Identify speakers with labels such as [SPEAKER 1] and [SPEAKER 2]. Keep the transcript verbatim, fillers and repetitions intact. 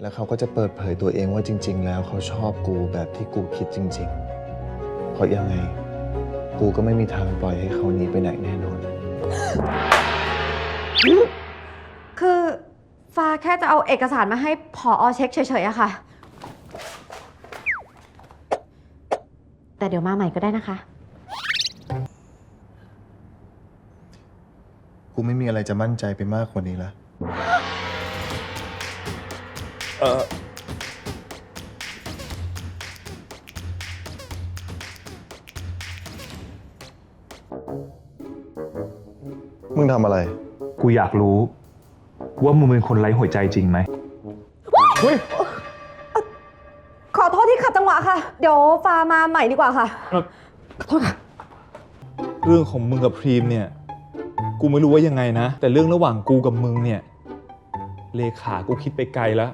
[SPEAKER 1] แล้วเขาก็จะเปิดเผยตัวเองว่าจริงๆแล้วเขาชอบกูแบบที่กูคิดจริงๆเพราะยังไงกูก็ไม่มีทางปล่อยให้เขาหนีไปไหนแน่นอน
[SPEAKER 2] คือฟ้าแค่จะเอาเอกสารมาให้ผอเช็คเฉยๆอะค่ะ แต่เดี๋ยวมาใหม่ก็ได้นะคะ
[SPEAKER 1] กูไม่มีอะไรจะมั่นใจไปมากกว่านี้ละเออมึงทำอะไร
[SPEAKER 3] กูอยากรู้ว่ามึงเป็นคนไร้หัวใจจริงไหม
[SPEAKER 1] เฮ้ย
[SPEAKER 2] ขอโทษที่ขัดจังหวะค่ะ เดี๋ยวฟ้ามาใหม่ดีกว่าค่ะ ขอโทษค่ะ
[SPEAKER 4] เรื่องของมึงกับพรีมเนี่ย กูไม่รู้ว่ายังไงนะ แต่เรื่องระหว่างกูกับมึงเนี่ย เลขากูคิดไปไกลแล้ว